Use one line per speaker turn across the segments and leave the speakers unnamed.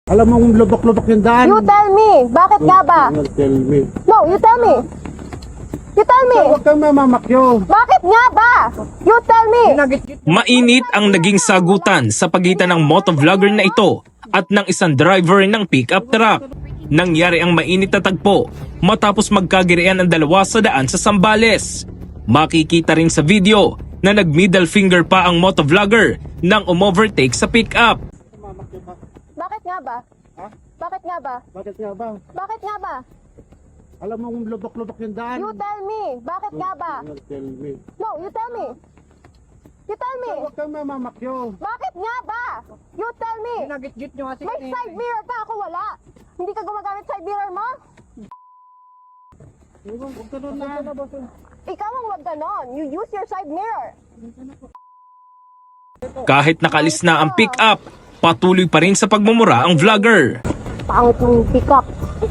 Alam mo, lubok-lubok yung daan.
You tell me. Bakit nga ba?
Tell me.
No, you tell me. You tell me.
Huwag kang mamamakyo.
Bakit nga ba? You tell me.
Mainit ang naging sagutan sa pagitan ng motovlogger na ito at ng isang driver ng pickup truck. Nangyari ang mainit na tagpo matapos magkagirian ang dalawa sa daan sa Zambales. Makikita rin sa video na nag-middle finger pa ang motovlogger nang umovertake sa pickup.
Bakit nga ba?
Ha?
Bakit nga ba?
Bakit nga ba?
Bakit nga ba?
Alam mo, lubok-lubok yung daan.
You tell me. Bakit nga ba?
Tell me.
No, you tell me. You tell me.
Huwag kang mamamakyo.
Bakit nga ba? You tell me.
Nagit-git nyo kasi.
May side mirror ka, ako wala. Hindi ka gumagamit side mirror mo?
Huwag ka doon na.
Ikaw ang wag ganon. You use your side mirror.
Kahit nakalis na ang pickup, patuloy pa rin sa pagmumura ang vlogger.
Pangit mong pick up.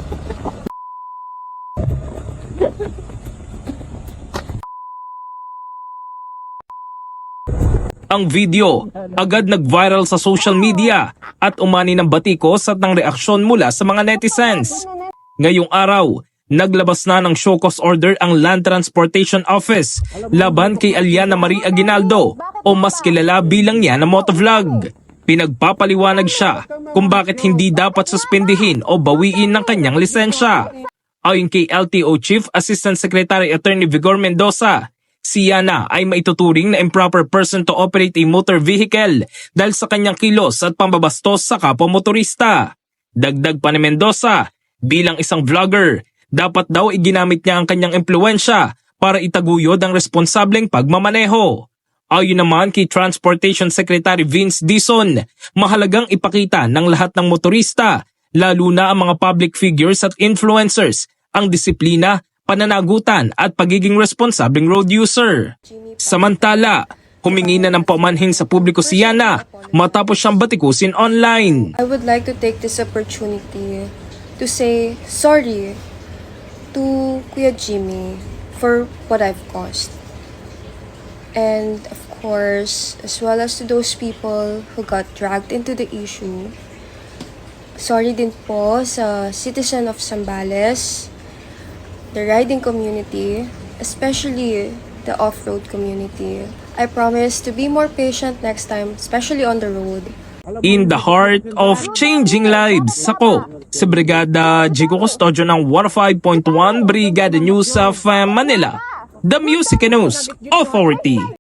Ang video agad nag-viral sa social media at umani ng batikos at ng reaksyon mula sa mga netizens. Ngayong araw, naglabas na ng show cause order ang Land Transportation Office laban kay Aliana Marie Aguinaldo o mas kilala bilang niya na motovlog. Pinagpapaliwanag siya kung bakit hindi dapat suspindihin o bawiin ng kanyang lisensya. Ayon kay LTO Chief Assistant Secretary Attorney Vigor Mendoza, si Yana ay maituturing na improper person to operate a motor vehicle dahil sa kanyang kilos at pambabastos sa kapwa motorista. Dagdag pa ni Mendoza, bilang isang vlogger, dapat daw iginamit niya ang kanyang impluensya para itaguyod ang responsableng pagmamaneho. Ayon naman kay Transportation Secretary Vince Dizon, mahalagang ipakita ng lahat ng motorista, lalo na ang mga public figures at influencers, ang disiplina, pananagutan at pagiging responsableng road user. Samantala, humingi na ng paumanhin sa publiko si Yana matapos siyang batikusin online.
I would like to take this opportunity to say sorry to Kuya Jimmy for what I've caused. And of course, as well as to those people who got dragged into the issue. Sorry din po sa citizen of Zambales, the riding community, especially the off-road community. I promise to be more patient next time, especially on the road.
In the heart of changing lives, ako si Brigada Jigo Custodio ng 105.1 Brigada News of Manila, the Music News Authority.